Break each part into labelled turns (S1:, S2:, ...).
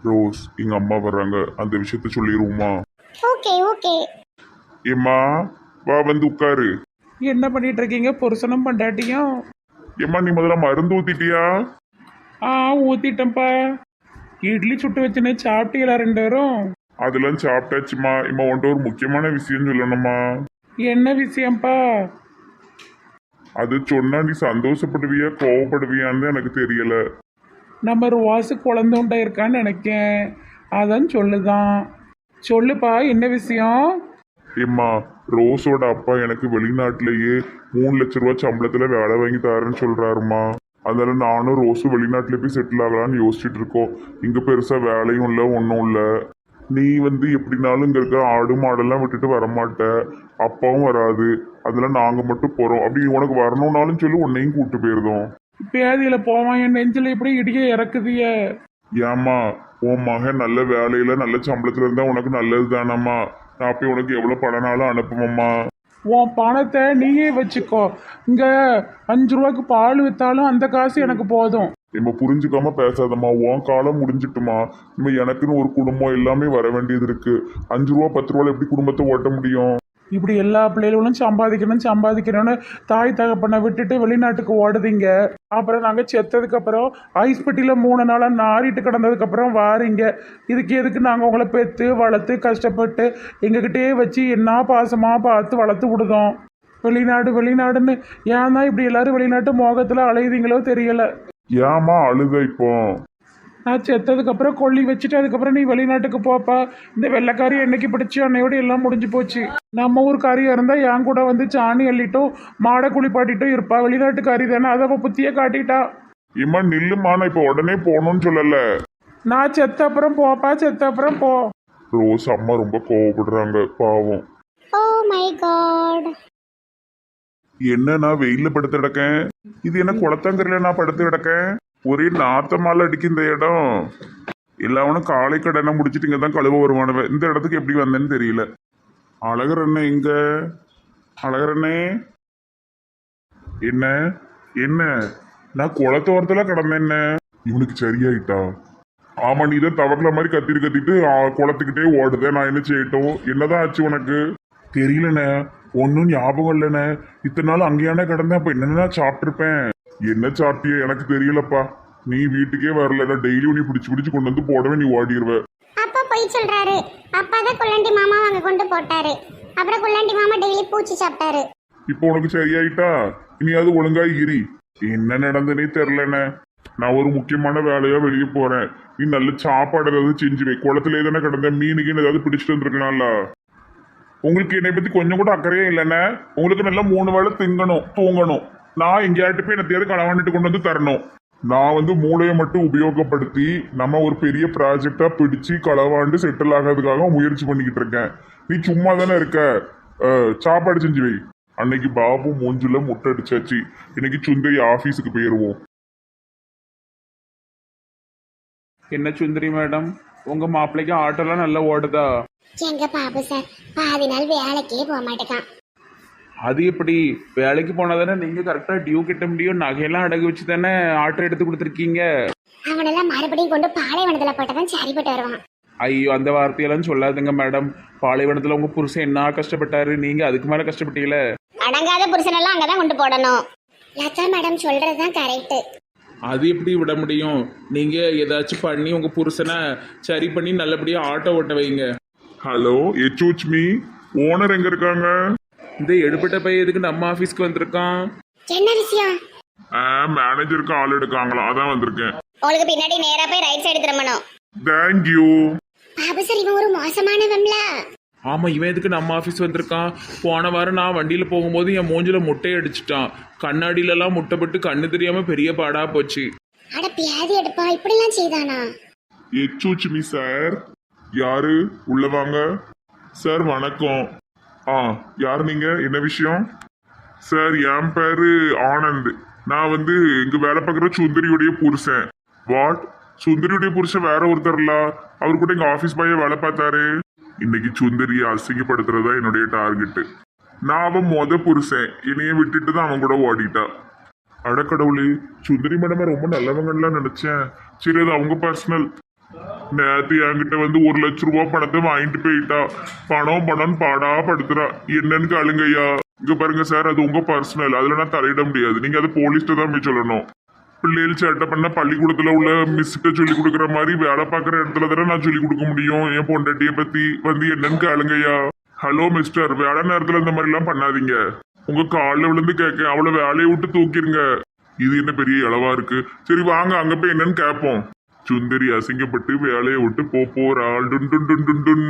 S1: Rose எங்க அம்மா வர்றாங்க, அந்த விஷயத்த சொல்லிடுவோமா?
S2: Okay okay.
S1: ஏம்மா, வா வந்து உட்காரு.
S3: என்ன பண்ணிட்டு இருக்கீங்க புருஷனும் பண்டாட்டியும்?
S1: ஏம்மா, நீ முதல்ல மருந்து ஊத்திட்டியா?
S3: ஆ, ஊத்திட்டேன்ப்பா. இட்லி சுட்டு வச்சுனே சாப்பிட்டீங்களா 2 பேரும்?
S1: அதெல்லாம் சாப்பிட்டாச்சுமா. இம்மா உன்ட்ட ஒரு முக்கியமான விஷயம் சொல்லணுமா?
S3: என்ன விஷயம்ப்பா?
S1: அது சொன்னா நீ சந்தோஷப்படுவியா கோவப்படுவியான்னு எனக்கு தெரியல.
S3: நம்ம ருவாசு குழந்தை உண்டா இருக்கான்னு நினைக்கேன். அதான் சொல்லுதான். சொல்லுப்பா, என்ன விஷயம்?
S1: ஏம்மா, ரோஸோட அப்பா எனக்கு வெளிநாட்டிலேயே 3 லட்ச ரூபா சம்பளத்துல வேலை வாங்கி தரேன்னு சொல்றாருமா. அதனால நானும் ரோஸும் வெளிநாட்டுல போய் செட்டில் ஆகலான்னு யோசிச்சுட்டு இருக்கோம். இங்க பெருசா வேலையும் இல்லை, ஒன்றும் இல்லை. நீ வந்து எப்படினாலும் இங்க இருக்க ஆடு மாடெல்லாம் விட்டுட்டு வரமாட்ட, அப்பாவும் வராது. அதெல்லாம் நாங்க மட்டும் போறோம். அப்படி உனக்கு வரணும்னாலும் சொல்லி உன்னையும் கூட்டு போயிருந்தோம்.
S3: பேதியில போவான், என் நெஞ்சில் இப்படி இடிய இறக்குதிய.
S1: ஏம்மா, உன் மகன் நல்ல வேலையில நல்ல சம்பளத்துல இருந்தா உனக்கு நல்லது தானம்மா. நான் போய் உனக்கு எவ்வளவு பணம்னாலும் அனுப்புமம்மா.
S3: உன் பணத்தை நீயே வச்சுக்கோ. இங்க 5 ரூபாய்க்கு பால் வித்தாலும் அந்த காசு எனக்கு போதும்.
S1: நம்ம புரிஞ்சுக்காம பேசாதம்மா. உன் காலம் முடிஞ்சிட்டுமா. நம்ம எனக்குன்னு ஒரு குடும்பம் எல்லாமே வர வேண்டியது இருக்கு. 5 ரூபா 10 ரூபாய் எப்படி குடும்பத்தை ஓட்ட முடியும்?
S3: இப்படி எல்லா பிள்ளைகளும் சம்பாதிக்கணும்னு தாய் தகப்பனை விட்டுட்டு வெளிநாட்டுக்கு ஓடுதீங்க. அப்புறம் நாங்கள் செத்ததுக்கு அப்புறம் ஐஸ் பெட்டியில் 3 நாளாக நாறிட்டு கிடந்ததுக்கு அப்புறம் வாரீங்க. இதுக்கு எதுக்கு நாங்கள் உங்களை பெற்று வளர்த்து கஷ்டப்பட்டு எங்ககிட்டயே வச்சு என்ன பாசமாக பார்த்து வளர்த்து விடுதோம். வெளிநாடுன்னு ஏன் தான் இப்படி எல்லாரும் வெளிநாட்டு மோகத்தில் அலையுதீங்களோ தெரியல.
S1: ஏம்மா அழுத இப்போ?
S3: நான் செத்ததுக்கு அப்புறம் கொல்லி வச்சுட்டு அதுக்கப்புறம் நீ வெளிநாட்டுக்கு போப்பா. இந்த வெள்ளைக்காரி என்னைக்கு பிடிச்சி அன்னையோட எல்லாம் முடிஞ்சு போச்சு. நம்ம ஊருக்காரியா இருந்தா என் கூட வந்து சாணி அள்ளிட்டும் மாடை குளிப்பாட்டிட்டும் இருப்பா. வெளிநாட்டுக்காரி தானே, அதை அவ புத்திய காட்டிட்டா.
S1: இம்மா நில்லுமா, நான் இப்போ உடனே போகணும்னு சொல்லல.
S3: நான் செத்த அப்புறம் போப்பா, செத்த அப்புறம் போ.
S1: ரோஸ் அம்மா ரொம்ப கோவப்படுறாங்க, பாவம்.
S2: Oh my God.
S1: என்ன நான் வெயில்ல படுத்து கிடக்கேன்? இது என்ன குளத்தங்கரையில நான் படுத்து கிடக்கேன்? ஒரே நாத்தமால அடிக்கும் இந்த இடம். எல்லாவனும் காலை கடனை முடிச்சுட்டு இங்க தான் கழுவ வருவானுவ. இந்த இடத்துக்கு எப்படி வந்தேன்னு தெரியல. அழகர் அண்ணே எங்க? அழகர் அண்ணே, என்ன என்ன? நான் குளத்தோரத்துல கிடந்தேன். என்ன இவனுக்கு சரியாயிட்டா? ஆமா, நீ தான் தவறுல மாதிரி கத்திட்டு குளத்துக்கிட்டே ஓடுத. நான் என்ன செய்யட்டும்? என்னதான் ஆச்சு உனக்கு? தெரியலண்ணே, ஒன்னும் ஞாபகம் இல்லைண்ணே. இத்தனை நாள் அங்கேயானே கிடந்தேன். அப்ப என்னென்ன சாப்பிட்டுருப்பேன். என்ன சாப்பிட்டிய எனக்கு தெரியலப்பா. நீ வீட்டுக்கே வரல. நான் டெய்லியும் நீ பிடிச்சு கொண்டு வந்து போடவே நீ ஓடிடுவ.
S2: அப்பா போய் சொல்றாரு. அப்பா தான் குள்ளண்டி மாமா அங்க கொண்டு போட்டாரு. அப்புறம் குள்ளண்டி மாமா டெய்லி பூச்சி சாப்பிட்டாரு.
S1: இப்போ உனக்கு சரியாயிட்டா? இனி அது ஒழுங்கா இரி. என்ன நடந்தனே தெரிலண்ணே. நான் ஒரு முக்கியமான வேலையா வெளியே போறேன். நீ நல்ல சாப்பாடு ஏதாவது செஞ்சு வை. குளத்துல தானே கிடந்த மீனுக்கு ஏதாவது பிடிச்சிட்டு வந்துருக்கலாம்ல. உங்களுக்கு என்னை பத்தி கொஞ்சம் கூட அக்கறையே இல்லைண்ணே. உங்களுக்கு நல்லா 3 வேளை திங்கணும், தூங்கணும். நான் எங்கேயாட்டு போய் என்னத்தையாவது களவாண்டுட்டு கொண்டு வந்து தரணும். நான் வந்து மூளையை மட்டும் உபயோகப்படுத்தி நம்ம ஒரு பெரிய ப்ராஜெக்டா பிடிச்சு களவாண்டு செட்டில் ஆகிறதுக்காக முயற்சி பண்ணிக்கிட்டு இருக்கேன். நீ சும்மா தானே இருக்க. சாப்பாடு செஞ்சு வை. அன்னைக்கு பாபு மூஞ்சுல முட்டை அடிச்சாச்சு. இன்னைக்கு சுந்தரி ஆபீஸுக்கு போயிருவோம்.
S3: என்ன சுந்தரி மேடம், உங்க மாப்பிள்ளைக்கு ஆட்டோலாம் நல்லா ஓடுதா?
S2: எங்க பாபு சார் பாதி நாள் வேலைக்கே போக மாட்டேக்கான்.
S3: அது எப்படி? வேலைக்கு போனா தானே நீங்க கரெக்டா டியூ கட்ட முடியும். நகையெல்லாம் அடகு வச்சு தானே ஆட்டோ எடுத்து கொடுத்துருக்கீங்க.
S2: அவனெல்லாம் மறுபடியும் கொண்டு பாலைவனத்துல போட்டதான் சரிப்பட்டு வருவான்.
S3: ஐயோ, அந்த வார்த்தையெல்லாம் சொல்லாதுங்க மேடம். பாலைவனத்துல உங்க புருஷன் என்ன கஷ்டப்பட்டாரு, நீங்க அதுக்கு மேல கஷ்டப்பட்டீங்களே.
S2: அடங்காத புருஷனெல்லாம் அங்கதான் கொண்டு போடணும். லதா மேடம் சொல்றதுதான் கரெக்ட்.
S3: அது எப்படி விட முடியும்? நீங்க ஏதாச்சும் பண்ணி உங்க புருஷனை சரி பண்ணி நல்லபடியா ஆட்டோ ஓட்ட வைங்க.
S1: Hello, எச்சூச் me. ஓனர் எங்க இருக்காங்க?
S3: இந்த எடுப்பட்ட பையன் எதுக்கு நம்ம ஆபீஸ்க்கு வந்திருக்கான்?
S2: என்ன விஷயம்?
S1: மேனேஜருக்கு ஆள் எடுக்காங்களா, அதான் வந்திருக்கேன்.
S2: உங்களுக்கு பின்னாடி நேரா போய் ரைட் சைடு திரும்பணும்.
S1: தேங்க்யூ.
S2: பாபு சார் இவன் ஒரு மோசமானவன்ல.
S3: ஆமா, இவன் எதுக்கு நம்ம ஆபீஸ் வந்திருக்கான்? போன வாரம் நான் வண்டியில போகும்போது என் மூஞ்சில முட்டையை அடிச்சிட்டான். கண்ணாடியில எல்லாம் முட்டைப்பட்டு கண்ணு தெரியாம பெரிய பாடா போச்சு.
S2: அட பியாதி எடுப்பா, இப்படி எல்லாம் செய்தானா?
S1: எச்சூச் மீ சார். யாரு? உள்ள வாங்க. சார் வணக்கம். யார் நீங்க? என்ன விஷயம்? சார், என் பேரு ஆனந்த். நான் வந்து இங்க வேலை பார்க்குற சுந்தரியுடைய புருஷன். வாட்? சுந்தரியுடைய புருஷன் வேற ஒருத்தர்ல? அவர் கூட எங்க ஆபீஸ் பையன் வேலை பார்த்தாரு. இன்னைக்கு சுந்தரியை அசிங்கப்படுத்துறதா என்னுடைய டார்கெட்டு. நான் அவன் புருஷன். என்னைய விட்டுட்டு தான் அவன் கூட ஓடிட்டா. அடக்கடவுளே, சுந்தரி மேடமே ரொம்ப நல்லவங்கலாம் நினைச்சேன். சரி, அது அவங்க பர்சனல். நேத்து என்கிட்ட வந்து 1,00,000 பணத்தை வாங்கிட்டு போயிட்டா. பணம் பணம் பாடா படுத்துறா. என்னன்னு கேளுங்கய்யா. இங்க பாருங்க சார், அது உங்க பர்சனல், அதுல நான் தலையிட முடியாது. நீங்க அது போலீஸ்ட்ட தான் போய் சொல்லணும். பிள்ளைகள் சேட்டை பண்ண பள்ளிக்கூடத்துல உள்ள மிஸ்கிட்ட சொல்லி கொடுக்குற மாதிரி வேலை பார்க்குற இடத்துல தானே நான் சொல்லி கொடுக்க முடியும். என் பொண்டாட்டியை பத்தி வந்து என்னன்னு கேளுங்கய்யா. ஹலோ மிஸ்டர், வேலை நேரத்துல இந்த மாதிரி எல்லாம் பண்ணாதீங்க. உங்க காலில் விழுந்து கேட்க, அவளை வேலையை விட்டு தூக்கிருங்க. இது என்ன பெரிய இளவா இருக்கு. சரி வாங்க அங்க போய் என்னன்னு கேட்போம். சுந்தரி அசிங்கப்பட்டு வேலையை விட்டு போறாள். டுன் டுன் டுன் டுன் டுன்.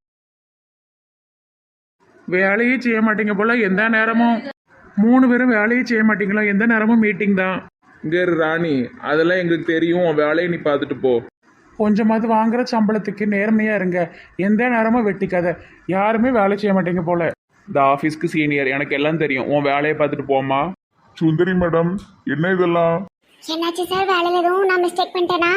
S3: வேலையே செய்ய மாட்டீங்க போல, எந்த நேரமும் 3 பேரும் வேலையே செய்ய மாட்டீங்களா? எந்த நேரமும் மீட்டிங் தான்.
S4: இங்கே ராணி, அதெல்லாம் எங்களுக்கு தெரியும். உன் வேலையை நீ பார்த்துட்டு போ.
S3: கொஞ்சமாவது வாங்குற சம்பளத்துக்கு நேர்மையாக இருங்க. எந்த நேரமும் வெட்டிக்காத. யாருமே வேலை செய்ய மாட்டீங்க போல.
S4: இந்த ஆஃபீஸ்க்கு சீனியர், எனக்கு எல்லாம் தெரியும். உன் வேலையை பார்த்துட்டு போமா.
S1: சுந்தரி மேடம், என்ன இதெல்லாம்?
S2: என்னாச்சு சார், வேலையில எதுவும் நான் மிஸ்டேக் பண்ணிட்டேனா?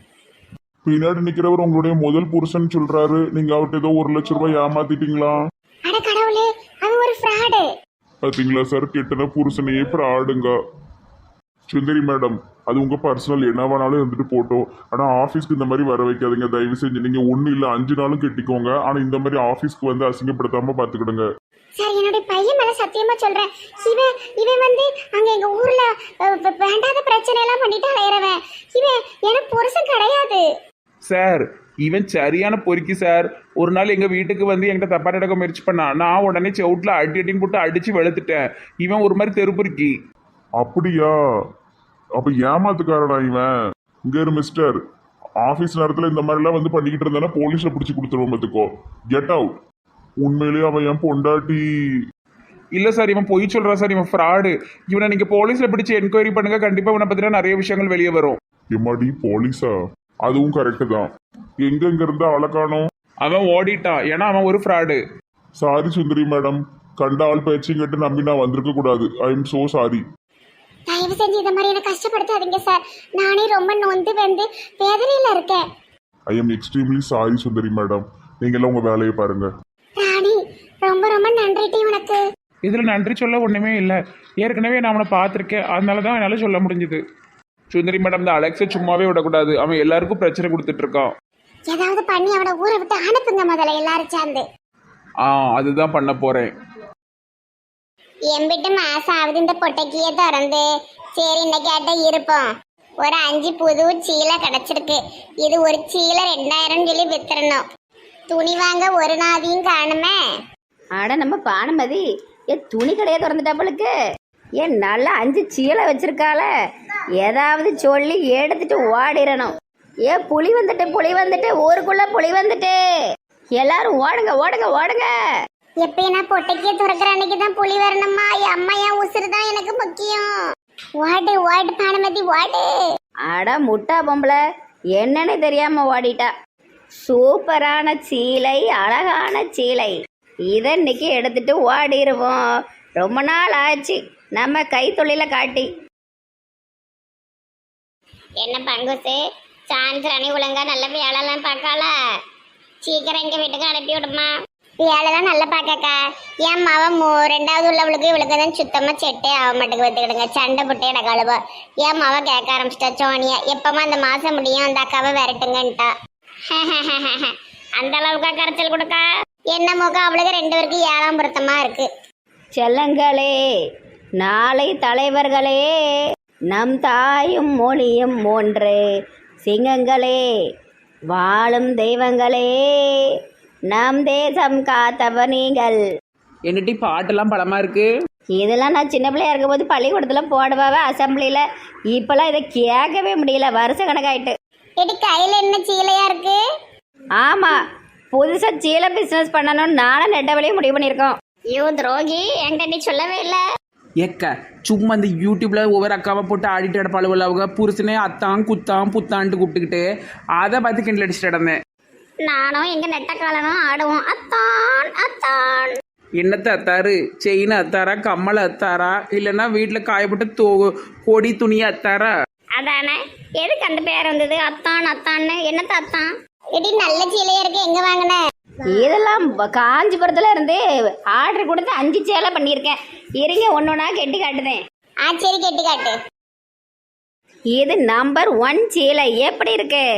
S1: பின்னாடி நிக்கிறவர் உங்களுடைய முதல் புருஷன் சொல்றாரு. நீங்க அவர்கிட்ட ஏதோ 1,00,000 ஏமாத்திட்டீங்களா?
S2: அட கடவுளே, அது ஒரு ஃப்ராடு.
S1: பாத்தீங்களா சார், கெட்டன புருஷனையே ஃப்ராடுங்க. சுந்தரி மேடம், அது உங்க பர்சனல், என்ன வேணாலும் இருந்துட்டு போட்டோம். ஆனா ஆபீஸ்க்கு இந்த மாதிரி வர வைக்காதீங்க தயவு செஞ்சு. நீங்க 1 இல்ல 5 நாளும் கெட்டிக்கோங்க. ஆனா இந்த மாதிரி ஆபீஸ்க்கு வந்து அசிங்கப்படுத்தாம பாத்துக்கிடுங்க.
S2: சார், என்னுடைய பையன் மேல சத்தியமா சொல்றேன். இவன் வந்து அங்க எங்க ஊர்ல வேண்டாத பிரச்சனை எல்லாம் பண்ணிட்டு அலையறவன். இவன் எனக்கு புருஷன் கிடையாது
S4: சார், இவன் சரியான பொறுக்கி சார். ஒரு நாள் எங்கள் வீட்டுக்கு வந்து என்கிட்ட தப்பா நடக்க முயற்சி பண்ணான். நான் உடனே செவுட்டில் அடின்னு போட்டு அடித்து வெளுத்துட்டேன். இவன் ஒரு மாதிரி தெரு பொறுக்கி.
S1: அப்படியா? அப்ப ஏமாத்துக்காரடா இவன். இங்க இரு மிஸ்டர், ஆபீஸ் நேரத்துல இந்த மாதிரி எல்லாம் வந்து பண்ணிக்கிட்டு இருந்தா போலீஸ்ல பிடிச்சு கொடுத்துருவோம். பார்த்துக்கோ, கெட் அவுட். உண்மையிலேயே அவன் என் பொண்டாட்டி.
S4: இல்லை சார், இவன் பொய் சொல்கிறா சார். இவன் ஃப்ராடு. இவனை நீங்கள் போலீஸில் பிடிச்சி என்கொயரி பண்ணுங்க. கண்டிப்பாக இவனை பற்றின நிறைய விஷயங்கள் வெளியே வரும்.
S1: எம்மாடி போலீஸா? அதுவும் கரெக்டு தான். எங்க இருந்து ஆளை காணோம்?
S4: அவன் ஓடிட்டான். ஏன்னா அவன் ஒரு ஃப்ராடு.
S1: சாரி சுந்தரி மேடம், கண்ட ஆள் பேச்சையும் கேட்டு நம்பி நான் வந்திருக்க கூடாது. I am so sorry.
S2: தயவு செஞ்சு இந்த மாதிரி என்ன கஷ்டப்படுத்தாதீங்க சார். நானே ரொம்ப நொந்து வந்து வேதனையில இருக்கேன்.
S1: I am extremely sorry Sundari madam. நீங்க எல்லாம் உங்க வேலையை பாருங்க.
S2: ராணி, ரொம்ப ரொம்ப நன்றி உனக்கு.
S3: இதில் நன்றி சொல்ல ஒன்றுமே இல்லை. ஏற்கனவே நான் அவனை பார்த்துருக்கேன், அதனால தான் என்னால் சொல்ல முடிஞ்சுது.
S4: சுந்தரி மேடம், இந்த அலெக்ஸை சும்மாவே விடக்கூடாது. அவன் எல்லாருக்கும் பிரச்சனை கொடுத்துட்டு இருக்கான்.
S2: ஏதாவது பண்ணி அவனை ஊரை விட்டு அனுப்புங்க முதல்ல, எல்லாரும் சேர்ந்து.
S4: அதுதான் பண்ண போறேன்.
S2: எம்பிட்டு மாசம் ஆகுது இந்த பொட்டைக்கியே திறந்து. சரி, இன்னைக்கு இருப்போம். ஒரு 5 புது சீலை கிடைச்சிருக்கு. இது ஒரு சீலை 2000 சொல்லி வித்துறணும். துணி வாங்க ஒரு நாதியும் காணுமே.
S5: ஆட நம்ம பானுமதி துணி கடையை திறந்துட்டாப்பளுக்கு. நல்லா 5 சீலை வச்சிருக்காள. ஏதாவது சொல்லி எடுத்துட்டு ஓடிடணும். புலி வந்துட்டு ஊருக்குள்ள புலி வந்துட்டு. எல்லாரும் ஓடுங்க ஓடுங்க ஓடுங்க.
S2: எப்பயும் நான் பொட்டைக்கியே துறக்கிற அன்னைக்கு தான் புலி வரணுமா? அம்மா என் உசுறு தான் எனக்கு முக்கியம். ஓடு ஓடு பானுமதி ஓடு.
S5: அட முட்டா பொம்பளை, என்னன்னு தெரியாம ஓடிட்டா. சூப்பரான சீலை, அழகான சீலை. இதை இன்னைக்கு எடுத்துட்டு ஓடிடுவோம். ரொம்ப நாள் ஆச்சு நம்ம கைத்தொழில காட்டி.
S2: என்ன பங்குசு, சான்சரணி ஒழுங்கா நல்ல வேலைலாம் பார்க்கால. சீக்கிரம் எங்க வீட்டுக்கு அனுப்பி விடுமா. வேலைதான் நல்லா பார்க்கக்கா. என் மாவன் 2வது உள்ளவளுக்கு இவளுக்கு தான் சுத்தமா செட்டே ஆக மாட்டேங்க. பார்த்துக்கிடுங்க, சண்டை புட்டே இடக்காளுவா. என் மாவ கேட்க ஆரம்பிச்சிட்டா சோனியா. எப்பமா அந்த மாசம் முடியும் அந்த அக்காவை விரட்டுங்கன்ட்டா. அந்த அளவுக்கா கரைச்சல் கொடுக்கா? என்ன முகம் அவளுக்கு 2 பேருக்கு 7ஆம் பொருத்தமா இருக்கு.
S5: செல்லங்களே, நாளை தலைவர்களே, நம் தாயும் மொழியும் ஒன்று. சிங்கங்களே, வாழும் தெய்வங்களே, நம் தேசம் காத்தவ நீங்கள்.
S4: என்னட்டி பாட்டெல்லாம் பலமா இருக்கு.
S5: இதெல்லாம் நான் சின்ன பிள்ளையா இருக்கும்போது பள்ளிக்கூடத்துல போடுவாவே அசம்பிளியில. இப்பெல்லாம் இதை கேட்கவே முடியல. வருஷ கணக்காயிட்டு.
S2: எடி, கையில என்ன சீலையா இருக்கு?
S5: ஆமா, புதுசா சீலை பிசினஸ் பண்ணணும்னு நானும் நெட்டவழியே முடிவு பண்ணியிருக்கோம்.
S2: ஐயோ துரோகி, என்கிட்ட நீ சொல்லவே இல்லை.
S4: ஏக்க சும்மா இந்த யூடியூப்ல ஒவ்வொரு அக்காவை போட்டு ஆடிட்டு கிடப்பாளுவல. அவங்க புருஷனே அத்தான் குத்தான் புத்தான்ட்டு கூப்பிட்டுக்கிட்டு அதை பார்த்து கிண்டல் அடிச்சுட்டு கிடந்தேன்.
S2: நானும் எங்க நெட்ட காலனும் ஆடுவோம். அத்தான் அத்தான்.
S4: என்னத்தை அத்தாரு? செயின் அத்தாரா, கம்மல் அத்தாரா, இல்லைன்னா வீட்டில் காயப்பட்டு கொடி துணியை அத்தாரா?
S2: அதானே, எதுக்கு அந்த பேர் வந்தது அத்தான் அத்தான்னு? என்னத்த அத்தான்? எடி, நல்ல சீலையா இருக்கு, எங்க வாங்கின?
S5: இதெல்லாம் காஞ்சிபுரத்துல இருந்து ஆர்டர் கொடுத்து 5 சேலை பண்ணியிருக்கேன். இருங்க ஒன்னொன்னா கெட்டி காட்டுதேன்.
S2: சரி, கெட்டி காட்டு.
S5: இது நம்பர் 1 சீலை. எப்படி இருக்கு?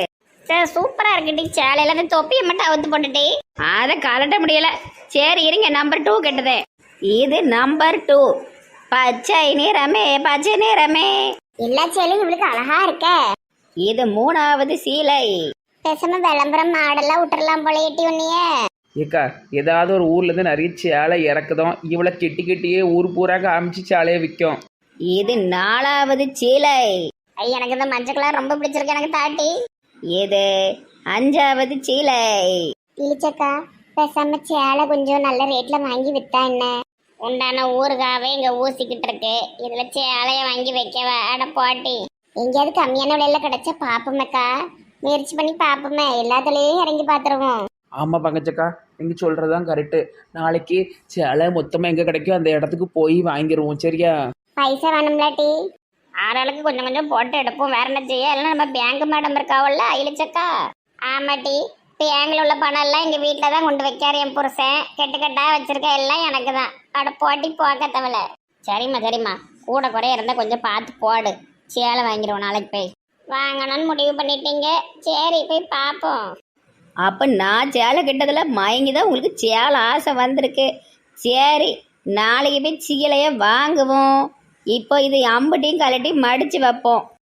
S2: சார் சூப்பரா இருக்குடி சேலையில அந்த தொப்பியை மட்டும் அவுத்து போட்டுட்டு.
S5: அதை கலட்ட முடியல. சரி இருங்க, நம்பர் 2 கெட்டது. இது நம்பர் 2. பச்சை நிறமே பச்சை நிறமே.
S2: எல்லா சேலையும் இவளுக்கு அழகா இருக்க.
S5: இது 3வது சீலை.
S2: பேசாம விளம்பரம் மாடெல்லாம் விட்டுறலாம் போல எட்டி உன்னைய.
S4: ஏக்கா ஏதாவது ஒரு ஊர்லேருந்து நிறைய சேலை இறக்குதோம், இவளை கெட்டி கெட்டியே ஊர் பூரா காமிச்சு சேலையை விற்கும்.
S5: இது 4வது சீலை.
S2: ஐய எனக்கு இந்த மஞ்சள் கலர் ரொம்ப பிடிச்சிருக்கு, எனக்கு தாட்டி.
S5: இது 5வது சீலை.
S2: இழிச்சக்கா பேசாம சேலை கொஞ்சம் நல்ல ரேட்ல வாங்கி வித்தா என்ன? உண்டான ஊறுகாவே இங்க ஊசிக்கிட்டு இருக்கு, இதுல சேலைய வாங்கி வைக்கவா? அட போட்டி, எங்கேயாவது கம்மியான விலையில கிடைச்சா பாப்போமேக்கா, முயற்சி பண்ணி பாப்போமே, எல்லாத்துலயும் இறங்கி பாத்துருவோம்.
S4: ஆமாம் பங்கச்சக்கா, நீங்கள் சொல்கிறது தான் கரெக்டு. நாளைக்கு சேலை மொத்தமாக எங்கே கிடைக்கும் அந்த இடத்துக்கு போய் வாங்கிடுவோம், சரியா?
S2: பைசா வேணும்லாட்டி ஆறாளுக்கு கொஞ்சம் கொஞ்சம் போட்டு எடுப்போம், வேற என்ன செய்ய? இல்லைன்னா நம்ம பேங்க் மேடம் இருக்காவல்ல இழிச்சக்கா. ஆமாட்டி, பேங்க்ல உள்ள பணம் எல்லாம் எங்க வீட்டில தான் கொண்டு வைக்காரு என் புருஷன், கெட்டுக்கட்டா வச்சிருக்க எல்லாம் எனக்கு தான். அட போட்டி போக்க தவளை. சரிம்மா கூட குறைய இருந்தா கொஞ்சம் பார்த்து போடு, சேலை வாங்கிடுவோம் நாளைக்கு போய். வாங்கணும்னு முடிவு பண்ணிட்டீங்க, சரி போய் பார்ப்போம்.
S5: அப்போ நான் சேலை கிட்டதில் மயங்கி தான் உங்களுக்கு சேலை ஆசை வந்திருக்கு. சரி நாளைக்கு போய் சீலையை வாங்குவோம். இப்போ இது அம்புட்டையும் கலட்டி மடித்து வைப்போம்.